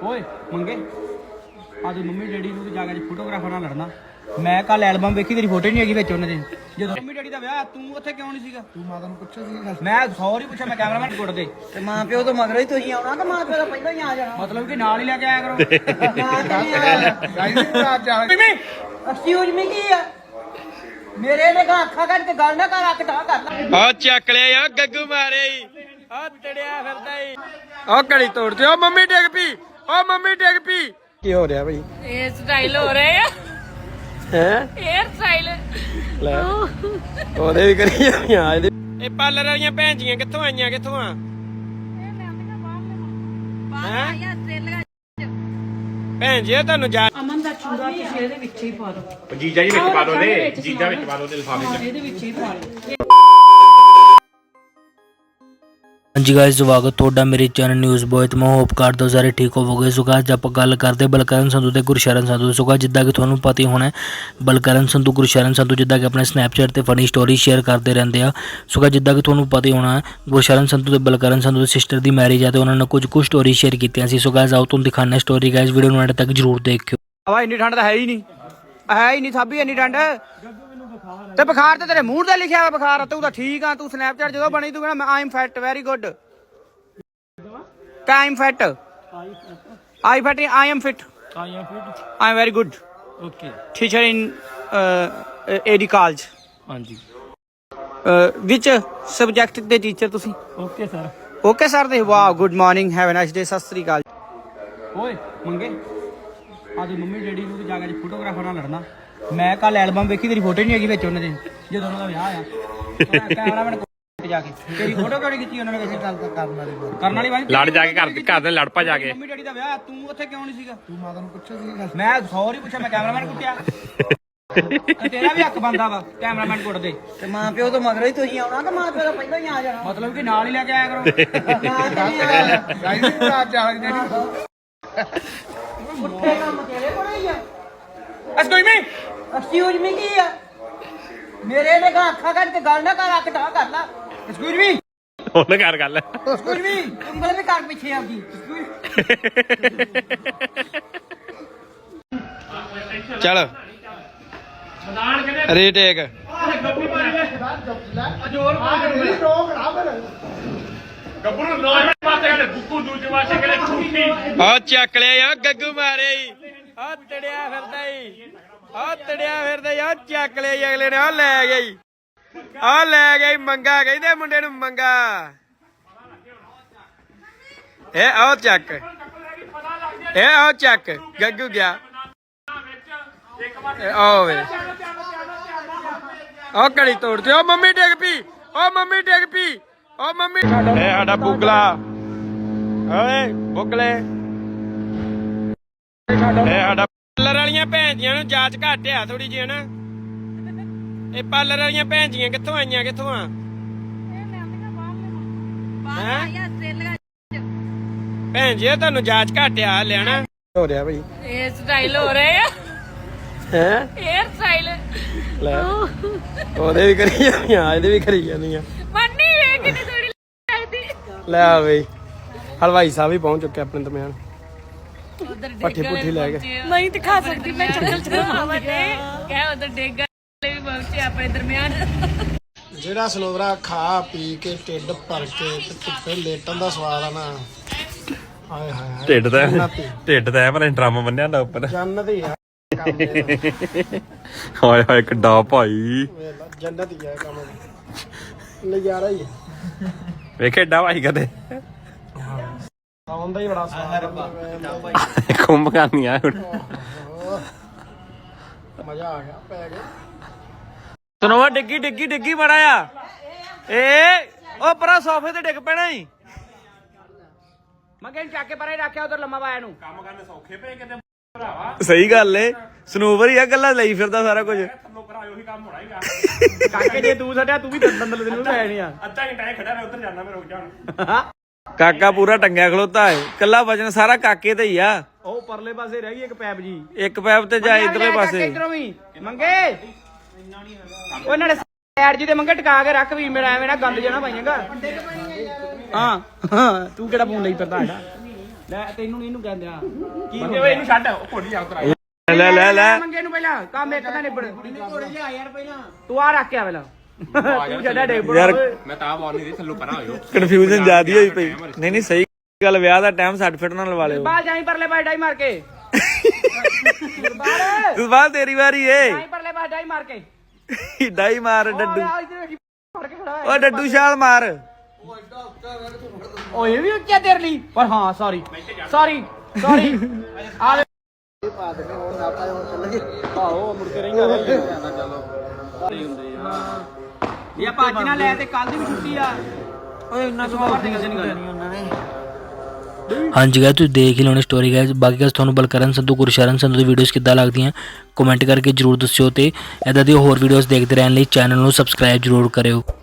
ਓਏ ਮੰਗੇ ਅੱਜ ਮੰਮੀ ਡੈਡੀ ਨੂੰ ਜਾ ਕੇ ਫੋਟੋਗ੍ਰਾਫਰ ਨਾਲ ਲੜਨਾ। ਮੈਂ ਕੱਲ ਐਲਬਮ ਵੇਖੀ, ਤੇਰੀ ਫੋਟੋ ਨਹੀਂ ਹੈਗੀ ਵਿੱਚ ਉਹਨਾਂ ਦੇ। ਜਦੋਂ ਮੰਮੀ ਡੈਡੀ ਦਾ ਵਿਆਹ ਤੂੰ ਉੱਥੇ ਕਿਉਂ ਨਹੀਂ ਸੀਗਾ? ਤੂੰ ਮਾਤਾ ਨੂੰ ਪੁੱਛਿਆ ਸੀ? ਮੈਂ ਸੌਰੀ ਪੁੱਛਿਆ, ਮੈਂ ਕੈਮਰਾਮੈਨ ਗੁੱਟ ਦੇ ਤੇ ਮਾਂ ਪਿਓ ਤੋਂ ਮਗਰੋਂ ਹੀ ਤੁਸੀਂ ਆਉਣਾ ਕਿ ਮਾਂ ਪਿਓ ਤੋਂ ਪਹਿਲਾਂ ਹੀ ਆ ਜਾਣਾ? ਮਤਲਬ ਕਿ ਨਾਲ ਹੀ ਲੈ ਕੇ ਆਇਆ ਕਰੋ। ਐਕਸਕਿਊਜ਼ ਮੀ ਕੀ ਆ? ਮੇਰੇ ਨੇ ਅੱਖਾਂ ਕੱਢ ਕੇ ਗੱਲ ਨਾ ਕਰ, ਅੱਖ ਢਾ ਕਰ ਲੈ। ਆ ਚੱਕ ਲਿਆ ਗੱਗੂ ਮਾਰੇ ਆ ਤੜਿਆ ਫਿਰਦਾ ਈ। ਆ ਘੜੀ ਤੋੜ ਤੇ। ਉਹ ਮੰਮੀ ਡਿੱਗ ਪਈ, ਉਹ ਮੰਮੀ ਡਿੱਗ ਪਈ। ਕੀ ਹੋ ਰਿਹਾ ਭਾਈ? ਇਹ ਸਟਾਈਲ ਹੋ ਰਹੇ ਆ, ਹੈ ਹੇਅਰ ਸਟਾਈਲ। ਲੈ ਉਹਦੇ ਵੀ ਕਰੀ ਜਾਂਦੀਆਂ ਇਹ ਪਾਰਲਰ ਵਾਲੀਆਂ ਭੈਣ ਜੀਆਂ ਕਿੱਥੋਂ ਆਈਆਂ, ਕਿੱਥੋਂ ਆ? ਭੈਣ ਜੀ ਤੁਹਾਨੂੰ ਜਾ ਅਮਨ ਦਾ ਚੂੜਾ ਤੁਸੀਂ ਇਹਦੇ ਵਿੱਚ ਹੀ ਪਾ ਦਿਓ। ਜੀਜਾ ਜੀ ਵਿੱਚ ਪਾ ਦੋ ਦੇ, ਜੀਜਾ ਵਿੱਚ ਪਾ ਦੋ ਤੇ ਲਿਫਾਫੇ ਚ। ਇਹਦੇ ਵਿੱਚ ਹੀ ਪਾ ਲਓ। ਹਾਂਜੀ ਗਾਇਸ, ਸਵਾਗਤ ਤੁਹਾਡਾ ਮੇਰੇ ਚੈਨਲ ਨਿਊਜ਼ ਬॉय ਤੇ ਮੈਂ ਹੋਪ ਕਰਦਾ ਸਾਰੇ ਠੀਕ ਹੋਵੋਗੇ। ਸੋ ਗਾਇਸ ਆਪਾਂ ਗੱਲ ਕਰਦੇ ਬਲਕਰਨ ਸੰਧੂ ਤੇ ਗੁਰਸ਼ਰਨ ਸੰਧੂ। ਸੋ ਗਾਇਸ ਜਿੱਦਾਂ ਕਿ ਤੁਹਾਨੂੰ ਪਤਾ ਹੀ ਹੋਣਾ, ਬਲਕਰਨ ਸੰਧੂ ਗੁਰਸ਼ਰਨ ਸੰਧੂ ਜਿੱਦਾਂ ਕਿ ਆਪਣੇ ਸਨੈਪਚੈਟ ਤੇ ਫਨੀ ਸਟੋਰੀ ਸ਼ੇਅਰ ਕਰਦੇ ਰਹਿੰਦੇ ਆ। ਸੋ ਗਾਇਸ ਜਿੱਦਾਂ ਕਿ ਤੁਹਾਨੂੰ ਪਤਾ ਹੀ ਹੋਣਾ, ਗੁਰਸ਼ਰਨ ਸੰਧੂ ਤੇ ਬਲਕਰਨ ਸੰਧੂ ਦੀ ਸਿਸਟਰ ਦੀ ਮੈਰਿਜ ਆ ਤੇ ਉਹਨਾਂ ਨੇ ਕੁਝ ਸਟੋਰੀ ਸ਼ੇਅਰ ਕੀਤੀਆਂ ਸੀ। ਸੋ ਗਾਇਸ ਆਓ ਤੁਹਾਨੂੰ ਦਿਖਾਉਂਦੇ ਸਟੋਰੀ। ਗਾਇਸ ਵੀਡੀਓ ਨੂੰ ਐਂਡ ਤੱਕ ਜਰੂਰ ਦੇਖਿਓ। ਹਵਾ ਇੰਨੀ ਠੰਡ ਤਾਂ ਹੈ ਹੀ ਨਹੀਂ ਸਾਬੀ ਇੰਨੀ ਠੰਡ ਤੇ ਬੁਖਾਰ ਤੇ ਤੇਰੇ ਮੂੰਹ ਤੇ ਲਿਖਿਆ ਹੋਇਆ ਬੁਖਾਰ। ਤੂੰ ਤਾਂ ਠੀਕ ਆ, ਤੂੰ ਸਨੈਪਚੈਟ ਜਦੋਂ ਬਣੀ ਤੂੰ ਕਹਿੰਦਾ I am fit very good. I'm fat. I fat. I am fit. I am very good. Okay. Teacher in AD college. ਹਾਂਜੀ Which subject ਦੇ teacher ਤੁਸੀਂ? Okay sir. Okay sir ਦੇ। Wow, good morning. Have a nice day. ਸਤਿ ਸ੍ਰੀ ਅਕਾਲ। ਓਏ ਮੰਗੇ ਅੱਜ mummy daddy ਨੂੰ ਜਾ ਕੇ ਫੋਟੋਗ੍ਰਾਫਰ ਨਾਲ ਲੜਨਾ। ਮੈਂ ਕੱਲ ਐਲਬਮ ਵੇਖੀ, ਤੇਰੀ ਫੋਟੋ ਨਹੀਂ ਹੈਗੀ ਵਿੱਚ ਉਹਨਾਂ ਦੇ ਜਦੋਂ ਉਹਨਾਂ ਦਾ ਵਿਆਹ ਆ। ਕੈਮਰਾਮੈਨ ਜਾ ਕੇ ਤੇਰੀ ਫੋਟੋ ਕਿਉਂ ਨਹੀਂ ਕੀਤੀ ਉਹਨਾਂ ਨੇ? ਕਿਸੇ ਗੱਲ ਤਾਂ ਕਰਨ ਵਾਲੀ ਬਾਈ ਲੜ ਜਾ ਕੇ ਘਰ ਦੇ ਲੜ ਪਾ ਜਾ ਕੇ। ਮੰਮੀ ਡੈਡੀ ਦਾ ਵਿਆਹ ਤੂੰ ਉੱਥੇ ਕਿਉਂ ਨਹੀਂ ਸੀਗਾ? ਤੂੰ ਮਾਤਾ ਨੂੰ ਪੁੱਛਿਆ ਸੀ? ਮੈਂ ਸੌਰੀ ਪੁੱਛਿਆ, ਮੈਂ ਕੈਮਰਾਮੈਨ ਕੁੱਟਿਆ। ਤੇਰਾ ਵੀ ਹੱਕ ਬਣਦਾ ਵਾ ਕੈਮਰਾਮੈਨ ਕੁੱਟ ਦੇ। ਤੇ ਮਾਂ ਪਿਓ ਤੋਂ ਮਗਰੋਂ ਹੀ ਤੁਸੀਂ ਆਉਣਾ ਕਿ ਮਾਂ ਪਿਓ ਤੋਂ ਪਹਿਲਾਂ ਹੀ ਆ ਜਾਣਾ? ਮਤਲਬ ਕਿ ਨਾਲ ਹੀ ਲੈ ਕੇ ਆਇਆ ਕਰੋ। ਪੁੱਠੇ ਕੰਮ ਤੇਰੇ ਕੋਲ ਹੀ ਆ। ਐਕਸਕਿਊਜ਼ ਮੀ ਕੀ ਆ? ਮੇਰੇ ਨੇ ਅੱਖਾਂ ਕੱਢ ਕੇ ਗੱਲ ਨਾ ਕਰ, ਅੱਖ ਢਾ ਕਰ ਲੈ। ਐਕਸਕਿਊਜ਼ ਮੀ, ਉਹਨੇ ਕਰ ਗੱਲ। Excuse me. ਉਂਗਲ ਵੀ ਕਰ ਪਿੱਛੇ ਆਪਦੀ। ਚੱਲ ਰੀਟੇਕ। ਗੱਭਰੂ ਨੌਵੇਂ ਪਾਸੇ ਗਲੇ ਗੁੱਗੂ ਦੂਜੇ ਪਾਸੇ ਗਲੇ ਛੁੱਟੀ। ਆ ਚੱਕ ਲਿਆ ਆ ਗੱਗੂ ਮਾਰੇ ਆ ਤੜਿਆ ਫਿਰਦਾ ਈ। ਆ ਤੜਿਆ ਫਿਰਦਾ ਆ ਚੱਕ ਲਿਆ ਅਗਲੇ ਨੇ। ਆ ਲੈ ਗਈ, ਆ ਲੈ ਗਈ ਮੰਗਾ। ਕਹਿੰਦੇ ਮੁੰਡੇ ਨੂੰ ਮੰਗਾ। ਇਹ ਆਓ ਚੱਕ, ਇਹ ਆਓ ਚੱਕ। ਗੱਗੂ ਗਿਆ ਆਓ ਵੇ। ਆ ਘੜੀ ਤੋੜ ਤੇ। ਉਹ ਮੰਮੀ ਡਿੱਗ ਪਈ, ਉਹ ਮੰਮੀ ਡਿੱਗ ਪਈ, ਉਹ ਮੰਮੀ। ਇਹ ਸਾਡਾ ਬੁਗਲਾ ਓਏ ਬੁਗਲੇ। ਇਹ ਸਾਡਾ ਪਾਰਲਰ ਵਾਲੀਆਂ ਭੈਣ ਜੀਆਂ ਨੂੰ ਜਾਂਚ ਘੱਟ ਆ ਥੋੜੀ ਜਿਹੀ ਹਨਾ। ਇਹ ਪਾਰਲਰ ਵਾਲੀਆਂ ਭੈਣ ਜੀਆਂ ਕਿੱਥੋਂ ਆਈਆਂ, ਕਿੱਥੋਂ ਆ? ਭੈਣ ਜੀ ਤੁਹਾਨੂੰ ਜਾਂਚ ਘੱਟ ਆ ਲੈਣਾ ਹੋ ਰਿਹਾ ਭਾਈ। ਇਹ ਸਟਾਈਲ ਹੋ ਰਹੇ ਆ, ਹੈ ਹੇਅਰ ਸਟਾਈਲ। ਲੈ ਉਹਦੇ ਵੀ ਕਰੀ ਜਾਂਦੀਆਂ, ਇਹਦੇ ਵੀ ਕਰੀ ਜਾਂਦੀਆਂ। ਮੰਨੀ ਵੇ ਕਿੰਨੀ ਥੋੜੀ ਲੱਗਦੀ। ਲੈ ਆ ਬਈ ਹਲਵਾਈ ਸਾਹਿਬ ਵੀ ਪਹੁੰਚ ਚੁੱਕੇ ਆਪਣੇ ਦਰਮਿਆਨ। ਉਧਰ ਪੱਠੇ ਪੁੱਠੀ ਲੈ ਕੇ ਨਹੀਂ ਦਿਖਾ ਸਕਦੀ ਮੈਂ ਚੱਕਲ ਚਲਾਵਾਂ ਤੇ ਕਹਿ ਉਧਰ ਡੇਗ ਵਾਲੇ ਵੀ ਪਹੁੰਚੇ ਆਪਣੇ ਦਰਮਿਆਨ। ਜਿਹੜਾ ਸਲੋਵਰਾ ਖਾ ਪੀ ਕੇ ਢਿੱਡ ਭਰ ਕੇ ਤੇ ਧੁੱਪੇ ਲੇਟਣ ਦਾ ਸਵਾਦ ਆ ਨਾ, ਹਾਏ ਹਾਏ। ਢਿੱਡ ਤਾਂ ਪਰ ਡਰਾਮਾ ਬੰਨਿਆ ਹੁੰਦਾ ਉੱਪਰ। ਜੰਨਤ ਹੀ ਆ ਕੰਮ ਇਹਦਾ। ਹਾਏ ਹਾਏ ਕਿੱਡਾ ਭਾਈ। ਵੇਖ ਲਾ, ਜੰਨਤ ਹੀ ਆ ਕੰਮ। ਨਜ਼ਾਰਾ ਹੀ ਆ। ਵੇਖੇ ਏਡਾ ਭਾਈ ਕਦੇ ਆਉਂਦਾ ਹੀ ਬੜਾ ਸਵਾਦ ਆ। ਕੁੰਭ ਕਰਨੀਆਂ ਮਜ਼ਾ ਆ ਗਿਆ, ਪੈ ਗਿਆ। ਸੁਣੋ ਡਿੱਗੀ ਡਿੱਗੀ ਡਿੱਗੀ ਬੜਾ ਆ। ਏ ਉਹ ਪਰਾ ਸੋਫੇ ਤੇ ਡਿੱਗ ਪੈਣਾ ਹੀ। ਮੈਂ ਕਹਿੰਦਾ ਚੱਕ ਕੇ ਪਰੇ ਰੱਖਿਆ ਉਧਰ ਲੰਮਾ ਪਾਇਆ ਨੂੰ। ਕੰਮ ਕਰਨੇ ਸੌਖੇ ਪਏ ਕਿਤੇ ਭਰਾਵਾ। ਸਹੀ ਗੱਲ ਏ, ਸਨੂਵਰ ਹੀ ਆ, ਗੱਲਾਂ ਲਈ ਫਿਰਦਾ ਸਾਰਾ ਕੁਝ। ਥੱਲੋਂ ਭਰਾ ਉਹੀ ਕੰਮ ਹੋਣਾ ਹੀਗਾ। ਕਾਕੇ ਜੇ ਤੂੰ ਛੱਡਿਆ ਤੂੰ ਵੀ ਦੰਦਲ ਦੇ ਨੂੰ ਲੈ ਜਾਣੀਆਂ। ਅੱਧਾ ਘੰਟਾ ਇਹ ਖੜਾ ਰਿਹਾ, ਉੱਧਰ ਜਾਣਾ ਮੈਂ, ਰੁਕ ਜਾ। ਕਾਕਾ ਪੂਰਾ ਟੰਗਿਆ ਖਲੋਤਾ ਏ। ਕੱਲਾ ਵਜਨ ਸਾਰਾ ਕਾਕੇ ਤੇ ਹੀ ਆ। ਉਹ ਪਰਲੇ ਪਾਸੇ ਰਹਿ ਗਈ ਇੱਕ ਪੈਪ ਜੀ, ਇੱਕ ਪੈਪ ਤੇ ਜਾ ਇਧਰਲੇ ਪਾਸੇ। ਇਧਰੋਂ ਵੀ ਮੰਗੇ ਉਹ ਨਾਲੇ ਸਾਈਡ ਜੀ ਤੇ ਮੰਗੇ ਟਿਕਾ ਕੇ ਰੱਖ ਵੀ ਮੇਰਾ ਐਵੇਂ ਨਾ ਗੰਦ ਜਾਣਾ ਪਾਈਆਂਗਾ। ਹਾਂ ਤੂੰ ਕਿਹੜਾ ਫੋਨ ਲਈ ਫਿਰਦਾ ਸਾਡਾ? ਲੈ ਤੈਨੂੰ ਨੀ ਇਹਨੂੰ ਕਹਿੰਦੇ ਆ ਕੀ ਮੰਗੇ ਓਏ ਇਹਨੂੰ ਛੱਡ ਉਹ ਘੋੜੀ ਆ ਤਰਾ ਲੈ ਮੰਗੇ ਨੂੰ ਪਹਿਲਾਂ ਕੰਮ ਇੱਕ ਤਾਂ ਨਿਬੜ ਘੋੜੇ ਲਿਆ ਯਾਰ ਪਹਿਲਾਂ ਤੂੰ ਆ ਰੱਖ ਕੇ ਆ ਪਹਿਲਾਂ ਤੂੰ ਛੱਡਿਆ ਡੇਬੜ ਮੈਂ ਤਾਂ ਬੋਲ ਨਹੀਂ ਦੇ ਥੱਲੋਂ ਪਰਾਂ ਹੋਇਓ ਕਨਫਿਊਜ਼ਨ ਜ਼ਿਆਦੀ ਹੋਈ ਪਈ ਨਹੀਂ ਨਹੀਂ ਸਹੀ ਗੱਲ ਵਿਆਹ ਦਾ ਟਾਈਮ ਸੱਟ ਫਿੱਟ ਨਾਲ ਲਵਾ ਲਿਓ ਬਾਲ ਜਾਈ ਪਰਲੇ ਬਾਈ ਡਾਈ ਮਾਰ ਕੇ ਬਾਲ ਤੂੰ ਬਾਅਦ ਤੇਰੀ ਵਾਰੀ ਏ ਜਾਈ ਪਰਲੇ ਬਾਈ ਡਾਈ ਮਾਰ ਕੇ ਡਾਈ ਮਾਰ ਡੱਡੂ ਆ ਇੱਧਰ ਵੇਖੀ ਫੜ ਕੇ ਖੜਾ ਹੋਇਆ ਓ ਡੱਡੂ ਛਾਲ ਮਾਰ ਓਏ ਇਹ ਵੀ ਉੱਚਾ ਤੇਰੇ ਲਈ ਪਰ ਹਾਂ ਸੌਰੀ ਆ ਲੈ ਆਓ ਮੁੜ ਕੇ ਰਹਿੰਦਾ ਇਹ ਭੱਜ ਨਾ ਲੈ ਤੇ ਕੱਲ ਦੀ ਵੀ ਛੁੱਟੀ ਆ ਓਏ ਇੰਨਾ ਸੁਭਾਅ ਦੀ ਕਿਸੇ ਨਹੀਂ ਕਰਨੀ ਉਹਨਾਂ ਨੇ ਹਾਂਜੀ ਗਾਇਸ ਤੁਸੀਂ ਦੇਖ ਹੀ ਲਓਣੀ ਸਟੋਰੀ ਗਾਇਸ ਬਾਕੀ ਗਾਇਸ ਤੁਹਾਨੂੰ ਬਲਕਰਨ ਸੰਧੂ ਗੁਰਸ਼ਰਨ ਸੰਧੂ ਦੀ ਵੀਡੀਓਜ਼ ਕਿੱਦਾਂ ਲੱਗਦੀਆਂ ਕਮੈਂਟ ਕਰਕੇ ਜਰੂਰ ਦੱਸਿਓ ਤੇ ਇਦਾਂ ਦੀ ਹੋਰ ਵੀਡੀਓਜ਼ ਦੇਖਦੇ ਰਹਿਣ ਲਈ ਚੈਨਲ ਨੂੰ ਸਬਸਕ੍ਰਾਈਬ ਜਰੂਰ ਕਰਿਓ।